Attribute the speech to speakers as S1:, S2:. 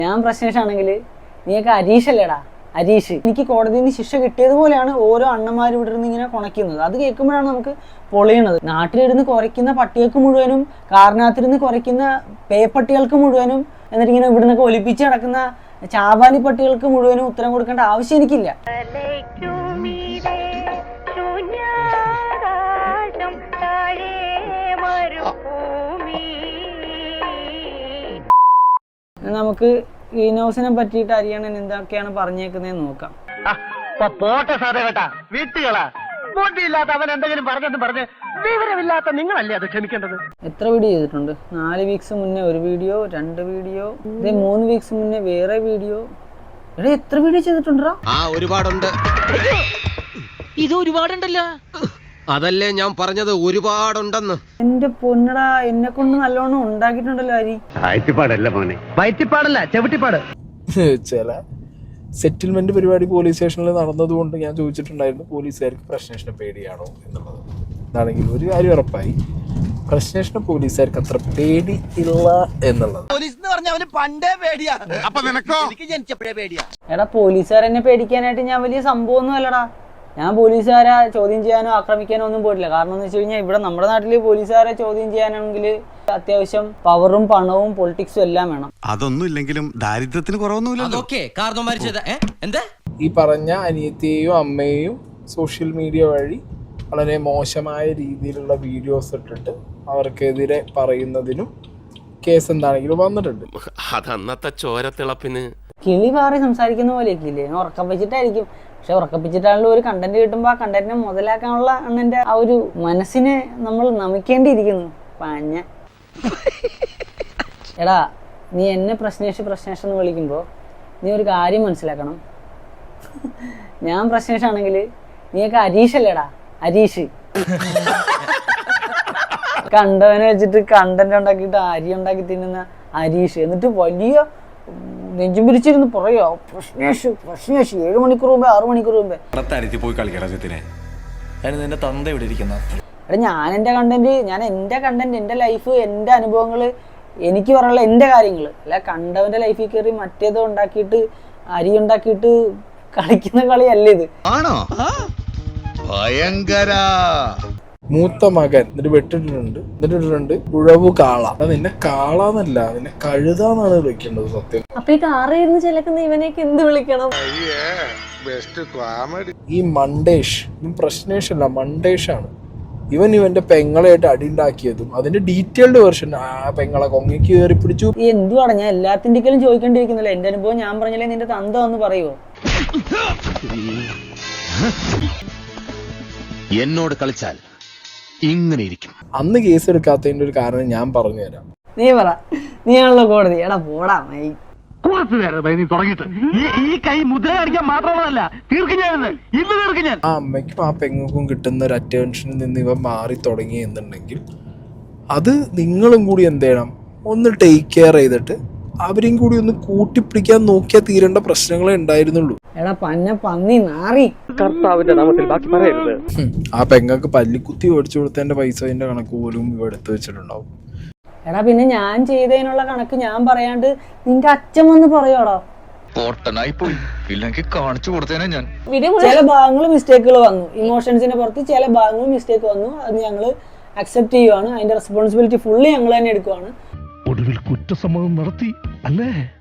S1: ഞാൻ പ്രശ്നേഷാണെങ്കിൽ നീയൊക്കെ അരീഷല്ലേടാ, അരീഷ്. എനിക്ക് കോടതിയിൽ നിന്ന് ശിക്ഷ കിട്ടിയതുപോലെയാണ് ഓരോ അണ്ണന്മാരും ഇവിടെ നിന്ന് ഇങ്ങനെ കുണയ്ക്കുന്നത്. അത് കേൾക്കുമ്പോഴാണ് നമുക്ക് പൊളിയണത്. നാട്ടിലിരുന്ന് കുറയ്ക്കുന്ന പട്ടികൾക്ക് മുഴുവനും, കാറിനകത്തിരുന്ന് കുറയ്ക്കുന്ന പേപ്പട്ടികൾക്ക് മുഴുവനും, എന്നിട്ട് ഇങ്ങനെ ഇവിടെ നിന്നൊക്കെ ഒലിപ്പിച്ച് നടക്കുന്ന ചാവാലി പട്ടികൾക്ക് മുഴുവനും ഉത്തരം കൊടുക്കേണ്ട ആവശ്യം എനിക്കില്ല. നമുക്ക് ഇനോസിനെ പറ്റിയിട്ട് അരിയണൻ എന്തൊക്കെയാണ് പറഞ്ഞേക്കുന്നതെന്ന് നോക്കാം. എത്ര വീഡിയോ ചെയ്തിട്ടുണ്ട്? 4 വീക്സ് മുന്നേ ഒരു വീഡിയോ, 2 വീഡിയോ, 3 വീക്സ് മുന്നേ വേറെ വീഡിയോ. എടാ എത്ര വീഡിയോ ചെയ്തിട്ടുണ്ടാ?
S2: ഒരുപാടുണ്ട്. ഇത് ഒരുപാടുണ്ടല്ലോ. അതല്ലേ ഞാൻ പറഞ്ഞത്, ഒരുപാടുണ്ടെന്ന്.
S1: എന്റെ പൊന്നടാ, എന്നെ കൊണ്ട് നല്ലോണം ഉണ്ടാക്കിയിട്ടുണ്ടല്ലോ അരി.
S3: വയറ്റിപ്പാടല്ല മോനെ, വയറ്റിപ്പാടല്ല ചവിട്ടിപ്പാട്.
S4: ചില സെറ്റിൽമെന്റ് പരിപാടി പോലീസ് സ്റ്റേഷനിൽ നടന്നതുകൊണ്ട് ഞാൻ ചോദിച്ചിട്ടുണ്ടായിരുന്നു പോലീസുകാർക്ക് പ്രശ്നേഷനെ പേടിയാണോ എന്നുള്ളത്. അതാണെങ്കിൽ ഒരു കാര്യം ഉറപ്പായി, പ്രശ്നേഷനെ പോലീസുകാർക്ക് അത്ര പേടി ഇല്ല എന്നുള്ളത്.
S1: എടാ പോലീസുകാരെന്നെ പേടിക്കാനായിട്ട് ഞാൻ വലിയ സംഭവമൊന്നും അല്ലടാ. ഞാൻ പോലീസുകാരെ ചോദ്യം ചെയ്യാനോ ആക്രമിക്കാനോ ഒന്നും പോയിട്ടില്ല. കാരണം എന്ന് വെച്ച് കഴിഞ്ഞാൽ ഇവിടെ നമ്മുടെ നാട്ടില് പോലീസുകാരെ ചോദ്യം ചെയ്യാനാണെങ്കിൽ അത്യാവശ്യം പവറും പണവും പൊളിറ്റിക്സും എല്ലാം വേണം.
S5: അതൊന്നും ഇല്ലെങ്കിലും ദാരിദ്ര്യത്തിന് കുറവൊന്നുമില്ലല്ലോ.
S4: ഈ പറഞ്ഞ അനിയത്തിയെയും അമ്മയെയും സോഷ്യൽ മീഡിയ വഴി വളരെ മോശമായ രീതിയിലുള്ള വീഡിയോസ് ഇട്ടിട്ട് അവർക്കെതിരെ പറയുന്നതിനും കേസ് എന്താണെങ്കിലും വന്നിട്ടുണ്ട്.
S2: അതന്നത്തെ ചോരത്തിളപ്പിന്
S1: കിളി പാറി സംസാരിക്കുന്ന പോലെയൊക്കെ ഇല്ലേ, ഉറക്കം വെച്ചിട്ടായിരിക്കും. പക്ഷെ ഉറക്കപ്പിച്ചിട്ടാണല്ലോ ഒരു കണ്ടന്റ് കിട്ടുമ്പോൾ ആ കണ്ടന്റിനെ മുതലാക്കാനുള്ള അണ്ണന്റെ ആ ഒരു മനസ്സിനെ നമ്മൾ നമിക്കേണ്ടിയിരിക്കുന്നു. പഞ്ഞ എടാ, നീ എന്നെ പ്രശ്നേഷ് എന്ന് വിളിക്കുമ്പോൾ നീ ഒരു കാര്യം മനസ്സിലാക്കണം. ഞാൻ പ്രശ്നേഷാണെങ്കിൽ നീയൊക്കെ അരീഷല്ലേടാ, അരീഷ്. കണ്ടവനെ വെച്ചിട്ട് കണ്ടന്റ് ഉണ്ടാക്കിയിട്ട് അരി ഉണ്ടാക്കി തിന്നുന്ന അരീഷ്. എന്നിട്ട് വലിയ നെഞ്ചും പിരിച്ചിരുന്ന് പറയോ പ്രശ്നേഷ് 7 മണിക്കൂർ മുമ്പേ 6 മണിക്കൂർ മുമ്പേ. എടാ ഞാൻ എൻ്റെ കണ്ടന്റ് എൻ്റെ ലൈഫ്, എൻ്റെ അനുഭവങ്ങൾ, എനിക്ക് പറയാനുള്ള എൻ്റെ കാര്യങ്ങൾ, അല്ല കണ്ടവന്റെ ലൈഫിൽ കയറി മറ്റേതോ ഉണ്ടാക്കിയിട്ട് അരി ഉണ്ടാക്കിയിട്ട് കളിക്കുന്ന കളിയല്ല ഇത്.
S5: ആണോ? ഭയങ്കര.
S4: മൂത്ത മകൻ എന്നിട്ട് വെട്ടിട്ടുണ്ട് ഉഴവു കാള. നിന്നെ കാളാന്നല്ല, നിന്നെ കഴുതാന്നാണ് വിളിക്കേണ്ടത് സത്യം.
S1: അപ്പൊ ഈ കാറിയിരുന്ന് ചിലക്കുന്ന ഇവനെയൊക്കെ എന്ത് വിളിക്കണം?
S4: ഈ മണ്ടേഷ്, പ്രശ്നേഷ് അല്ല മണ്ടേഷാണ്. ഇവന്റെ പെങ്ങളായിട്ട് അടിയുണ്ടാക്കിയതും അതിന്റെ ഡീറ്റെയിൽഡ് വെർഷൻ ആ പെങ്ങളെ കൊങ്ങയ്ക്ക് കയറി പിടിച്ചു.
S1: ഈ എന്തുവാണ് ഞാൻ എല്ലാത്തിൻ്റെയും ചോദിക്കേണ്ടിയിരിക്കുന്നില്ല. എന്റെ അനുഭവം ഞാൻ പറഞ്ഞാലേ നിന്റെ തന്ത ഒന്ന് പറയുമോ?
S2: എന്നോട് കളിച്ചാൽ ഇങ്ങനെ ഇരിക്കും.
S4: അന്ന് കേസ് എടുക്കാത്തതിന്റെ ഒരു കാരണം ഞാൻ പറഞ്ഞു തരാം.
S1: നീ പറ, നീയാണല്ലോ കോടതി. എടാ പോടാ മൈ.
S4: ആ അമ്മയ്ക്കും ആ പെങ്ങൾക്കും കിട്ടുന്ന ഒരു അറ്റൻഷനിൽ നിന്ന് ഇവ മാറി തുടങ്ങി എന്നുണ്ടെങ്കിൽ അത് നിങ്ങളും കൂടി എന്ത് ചെയ്യണം, ഒന്ന് ടേക്ക് കെയർ ചെയ്തിട്ട് അവരെയും കൂടി ഒന്ന് കൂട്ടിപ്പിടിക്കാൻ നോക്കിയാൽ തീരേണ്ട പ്രശ്നങ്ങളെ ഉണ്ടായിരുന്നുള്ളൂ.
S1: എടാ പന്നി നാറി.
S3: കർത്താവിന്റെ നാമത്തിൽ ബാക്കി പറയരുത്.
S4: ആ പെങ്ങൾക്ക് പല്ലിക്കുത്തി ഓടിച്ചു കൊടുത്തതിന്റെ പൈസന്റെ കണക്ക് പോലും ഇവ എടുത്തു വെച്ചിട്ടുണ്ടാവും.
S1: എടാ പിന്നെ ഞാൻ ചെയ്തതിനുള്ള കണക്ക് ഞാൻ പറയാണ്ട് നിന്റെ അച്ഛൻ വന്ന് പറയോടാ. ചില ഭാഗങ്ങൾ മിസ്റ്റേക്കുകൾ വന്നു, ഇമോഷൻസിന്റെ പുറത്ത് ചില ഭാഗങ്ങൾ മിസ്റ്റേക്ക് വന്നു. അത് ഞങ്ങൾ അക്സെപ്റ്റ് ചെയ്യുവാണ്. അതിന്റെ റെസ്പോൺസിബിലിറ്റി ഫുള്ളി ഞങ്ങൾ തന്നെ എടുക്കുവാണ്.
S6: ഒടുവിൽ കുറ്റസമ്മതം നടത്തി അല്ലേ?